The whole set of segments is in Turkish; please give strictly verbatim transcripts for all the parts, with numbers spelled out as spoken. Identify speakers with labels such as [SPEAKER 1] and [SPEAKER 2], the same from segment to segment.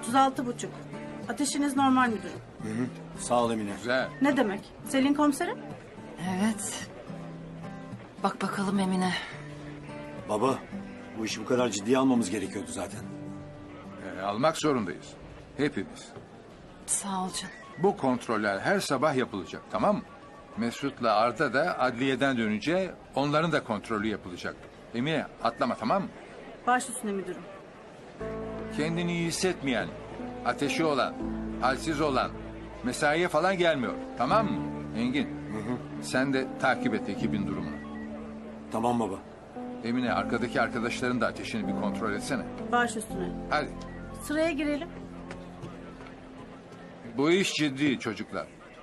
[SPEAKER 1] otuz altı buçuk. Ateşiniz normal müdürüm.
[SPEAKER 2] Hı hı. Sağ ol Emine.
[SPEAKER 3] Güzel.
[SPEAKER 1] Ne demek? Selin komiserim?
[SPEAKER 4] Evet. Bak bakalım Emine.
[SPEAKER 2] Baba, bu işi bu kadar ciddiye almamız gerekiyordu zaten.
[SPEAKER 3] Ee, almak zorundayız. Hepimiz.
[SPEAKER 4] Sağ ol canım.
[SPEAKER 3] Bu kontroller her sabah yapılacak, tamam mı? Mesut'la Arda da adliyeden dönünce onların da kontrolü yapılacak. Emine atlama, tamam mı?
[SPEAKER 1] Baş üstüne müdürüm.
[SPEAKER 3] Kendini iyi hissetmeyen, ateşi olan, halsiz olan, mesaiye falan gelmiyor, tamam mı? Engin, sen de takip et ekibin durumunu.
[SPEAKER 2] Tamam baba.
[SPEAKER 3] Emine, arkadaki arkadaşların da ateşini bir kontrol etsene.
[SPEAKER 1] Baş üstüne.
[SPEAKER 3] Hadi.
[SPEAKER 1] Sıraya girelim.
[SPEAKER 3] Bu iş ciddi çocuklar.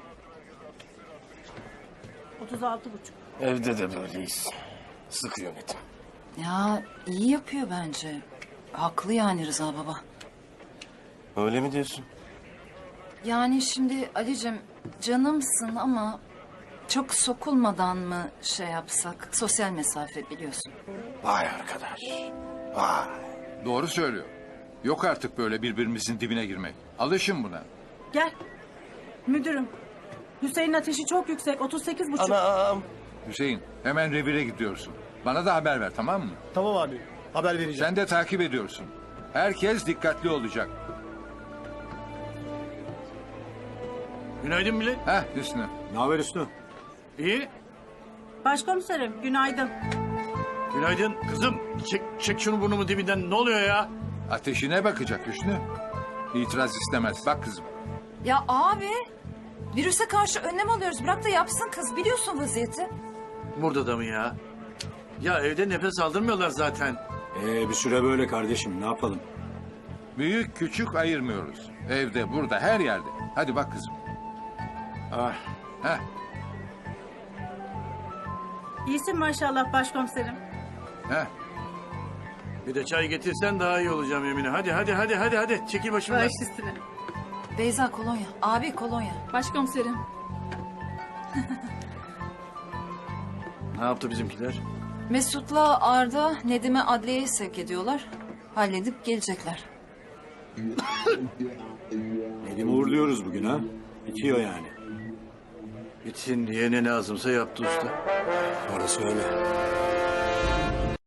[SPEAKER 1] otuz altı buçuk.
[SPEAKER 5] Evde de böyleyiz. Sıkı yönetim.
[SPEAKER 4] Ya iyi yapıyor bence. Haklı yani Rıza baba.
[SPEAKER 5] Öyle mi diyorsun?
[SPEAKER 4] Yani şimdi Ali'cim canımsın ama çok sokulmadan mı şey yapsak? Sosyal mesafe biliyorsun.
[SPEAKER 5] Vay arkadaş. Vay.
[SPEAKER 3] Doğru söylüyor. Yok artık böyle birbirimizin dibine girmek. Alışın buna.
[SPEAKER 1] Gel. Müdürüm. Hüseyin'in ateşi çok yüksek. otuz sekiz buçuk.
[SPEAKER 5] Anam.
[SPEAKER 3] Hüseyin, hemen revire gidiyorsun. Bana da haber ver, tamam mı?
[SPEAKER 6] Tamam abi. Haber vereceğim.
[SPEAKER 3] Sen de takip ediyorsun. Herkes dikkatli olacak.
[SPEAKER 7] Günaydın millet.
[SPEAKER 3] Heh Hüsnü.
[SPEAKER 2] Ne haber Hüsnü?
[SPEAKER 7] İyi.
[SPEAKER 1] Başkomiserim günaydın.
[SPEAKER 7] Günaydın. Kızım çek, çek şunu burnumu dibinden. Ne oluyor ya?
[SPEAKER 3] Ateşine bakacak Hüsnü. İtiraz istemez. Bak kızım.
[SPEAKER 4] Ya abi virüse karşı önlem alıyoruz. Bırak da yapsın kız biliyorsun vaziyeti.
[SPEAKER 7] Burada da mı ya? Ya evde nefes aldırmıyorlar zaten.
[SPEAKER 2] Ee, bir süre böyle kardeşim. Ne yapalım?
[SPEAKER 3] Büyük küçük ayırmıyoruz. Evde, burada, her yerde. Hadi bak kızım.
[SPEAKER 7] Ah.
[SPEAKER 3] Heh.
[SPEAKER 1] İyisin maşallah başkomiserim.
[SPEAKER 3] Heh.
[SPEAKER 7] Bir de çay getirsen daha iyi olacağım Emine. Hadi hadi hadi hadi hadi. Çekil başımdan.
[SPEAKER 1] Baş üstüne.
[SPEAKER 4] Beyza kolonya. Abi kolonya.
[SPEAKER 1] Başkomiserim.
[SPEAKER 7] Ne yaptı bizimkiler?
[SPEAKER 4] Mesut'la Arda Nedim'e adliyeye sevk ediyorlar. Halledip gelecekler.
[SPEAKER 2] Nedim'i uğurluyoruz bugün ha. Bitiyor yani.
[SPEAKER 7] Bitsin diye ne lazımsa yaptı usta.
[SPEAKER 2] Orası öyle.